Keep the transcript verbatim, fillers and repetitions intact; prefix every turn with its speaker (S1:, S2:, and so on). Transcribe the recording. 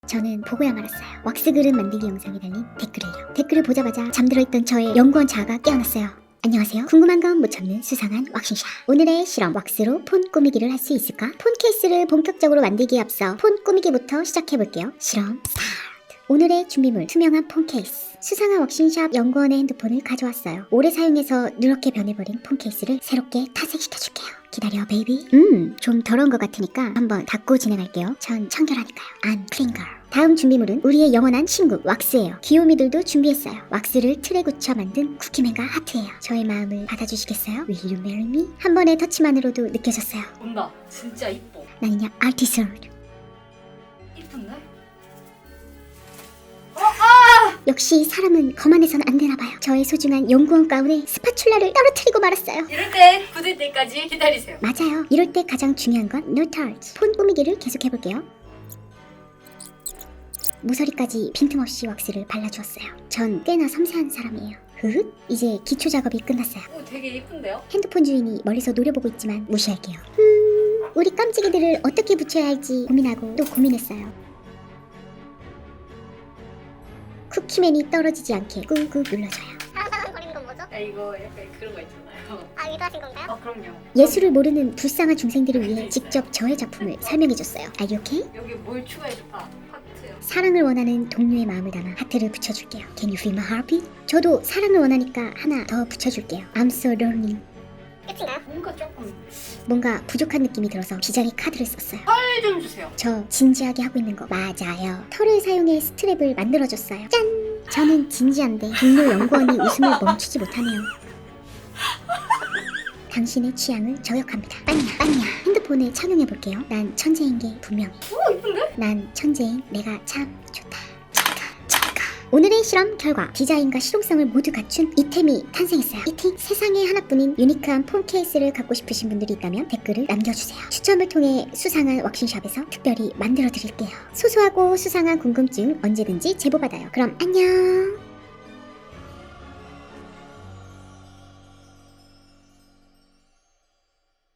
S1: 저는 보고야 말았어요. 왁스 그릇 만들기 영상에 달린 댓글을요. 댓글을 보자마자 잠들어 있던 저의 연구원 자아가 깨어났어요. 안녕하세요. 궁금한 건 못 참는 수상한 왁싱샵. 오늘의 실험, 왁스로 폰 꾸미기를 할 수 있을까? 폰 케이스를 본격적으로 만들기에 앞서 폰 꾸미기부터 시작해볼게요. 실험 스타트. 오늘의 준비물, 투명한 폰 케이스. 수상한 왁싱샵 연구원의 핸드폰을 가져왔어요. 오래 사용해서 누렇게 변해버린 폰 케이스를 새롭게 탈색시켜줄게요. 기다려 베이비. 음, 좀 더러운 것 같으니까 한번 닦고 진행할게요. 전 청결하니까요. I'm clean girl. 다음 준비물은 우리의 영원한 친구 왁스예요. 귀요미들도 준비했어요. 왁스를 틀에 굳혀 만든 쿠키맨과 하트예요. 저의 마음을 받아주시겠어요? Will you marry me? 한 번의 터치만으로도 느껴졌어요.
S2: 온다. 진짜 이뻐.
S1: 나는요 아티스트.
S2: 이쁜데?
S1: 역시 사람은 거만해서는 안 되나봐요. 저의 소중한 연구원 가운에 스파츌라를 떨어뜨리고 말았어요.
S2: 이럴 때 굳을 때까지 기다리세요.
S1: 맞아요. 이럴 때 가장 중요한 건 no touch. 폰 꾸미기를 계속해볼게요. 모서리까지 빈틈없이 왁스를 발라주었어요. 전 꽤나 섬세한 사람이에요. 흐흐. 이제 기초 작업이 끝났어요.
S2: 오, 되게 이쁜데요?
S1: 핸드폰 주인이 멀리서 노려보고 있지만 무시할게요. 음, 우리 깜찍이들을 어떻게 붙여야 할지 고민하고 또 고민했어요. 쿠키맨이 떨어지지 않게 꾹꾹 눌러줘요.
S3: 사랑사랑거리는 건 뭐죠?
S2: 야, 이거 약간 그런 거 있잖아요.
S3: 아, 의도하신 건가요?
S2: 어, 그럼요.
S1: 예술을 모르는 불쌍한 중생들을 위해 직접 저의 작품을 설명해줬어요. Are you okay?
S2: 여기 뭘 추가해줄까? 하트요.
S1: 사랑을 원하는 동료의 마음을 담아 하트를 붙여줄게요. Can you feel my heartbeat? 저도 사랑을 원하니까 하나 더 붙여줄게요. I'm so lonely.
S3: 끝인가요?
S2: 뭔가 조금
S1: 뭔가 부족한 느낌이 들어서 비장의 카드를 썼어요.
S2: 털 좀 주세요.
S1: 저 진지하게 하고 있는 거 맞아요. 털을 사용해 스트랩을 만들어줬어요. 짠! 저는 진지한데 동료 연구원이 웃음을 멈추지 못하네요. 당신의 취향을 저격합니다. 빠냐 빠냐. 핸드폰에 착용해볼게요. 난 천재인 게 분명해.
S2: 오, 이쁜데?
S1: 난 천재인 내가 참 좋다. 좋다. 좋다. 오늘의 실험 결과 디자인과 실용성을 모두 갖춘 이템이 탄생했어요. 이템 세상에 하나뿐인 유니크한 폰 케이스를 갖고 싶으신 분들이 있다면 댓글을 남겨주세요. 추첨을 통해 수상한 왁싱샵에서 특별히 만들어 드릴게요. 소소하고 수상한 궁금증 언제든지 제보받아요. 그럼 안녕.